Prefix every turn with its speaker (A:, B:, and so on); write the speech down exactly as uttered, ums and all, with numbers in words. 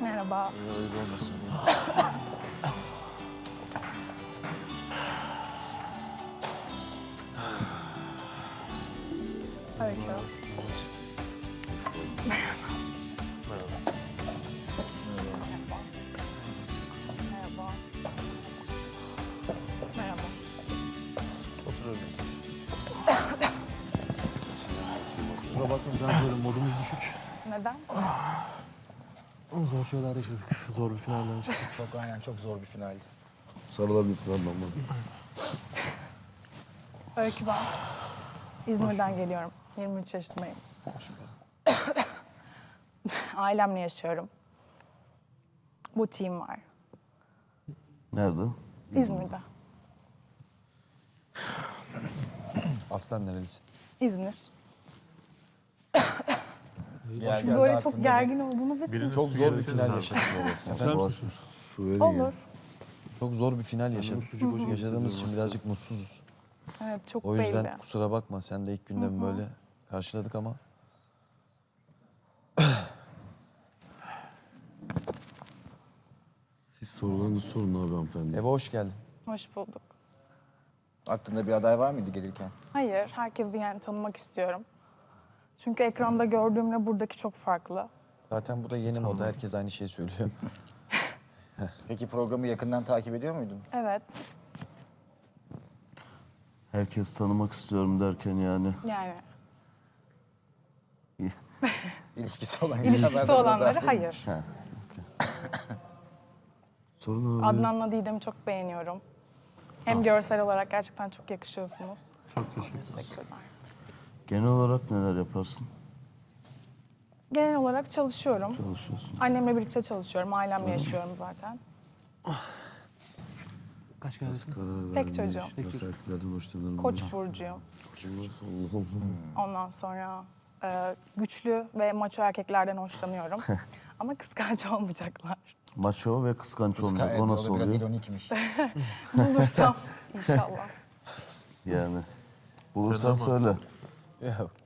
A: Merhaba.
B: Öyle olmasın.
A: Öykü.
B: Merhaba.
A: Merhaba. Merhaba.
B: Oturabiliriz.
C: Kusura bakmayın, böyle modumuz düşük.
A: Neden?
C: Zor şeyler yaşadık. Zor bir finalden çıktık.
D: Çok aynen çok zor bir finaldi.
B: Sarılabilirsin lan bana.
A: Öykü ben. İzmir'den geliyorum. yirmi üç yaşındayım. Ailemle yaşıyorum. Butiğim var.
B: Nerede?
A: İzmir'de.
B: Aslen nerelisin?
A: İzmir.
D: Gel,
A: Siz
D: gel,
A: böyle
D: daha
A: çok
D: aklında
A: gergin olduğunuz için.
B: Çok zor bir final yaşadık.
A: Olur.
B: Çok zor bir final yaşadık. Yaşadığımız için birazcık mutsuzuz.
A: Evet, çok
B: O yüzden
A: belli.
B: kusura bakma. Sen de ilk günden böyle karşıladık ama.
E: Siz sorularınızı sorun abi hanımefendi.
B: Eve hoş geldin.
A: Hoş bulduk.
D: Aklında bir aday var mıydı gelirken?
A: Hayır, herkesi yani tanımak istiyorum. Çünkü ekranda gördüğümle buradaki çok farklı.
B: Zaten bu da yeni moda. Herkes aynı şeyi söylüyor.
D: Peki programı yakından takip ediyor muydun?
A: Evet,
E: Herkes tanımak istiyorum derken yani.
A: yani
D: İlişkisi olan
A: ilişkisi
D: insanlar da
A: olanları
D: dahil.
A: hayır.
E: Sorun abi.
A: Adnan'la Didem'i çok beğeniyorum. Hem görsel olarak gerçekten çok yakışıyorsunuz.
C: Çok teşekkür ederim.
A: Teşekkürler.
E: Genel olarak neler yaparsın?
A: Genel olarak çalışıyorum.
E: Çalışıyorsun.
A: Annemle birlikte çalışıyorum. Ailemle yaşıyorum zaten.
C: Kaç geldin?
E: Karar
A: Tek
E: verme,
A: çocuğum.
E: işte, Cesaretlerden hoşlanırım.
A: Koç burcuyum.
E: Allah'ım.
A: Ondan sonra e, güçlü ve maço erkeklerden hoşlanıyorum. Ama kıskanç olmayacaklar.
E: Maço ve kıskanç
D: Kıskan-
E: olmak.
D: evet,
E: O
D: o
E: nasıl
D: da biraz
E: oluyor?
D: ironikmiş.
A: Bulursam inşallah.
E: Yani. Bulursan söyle.
B: Yok.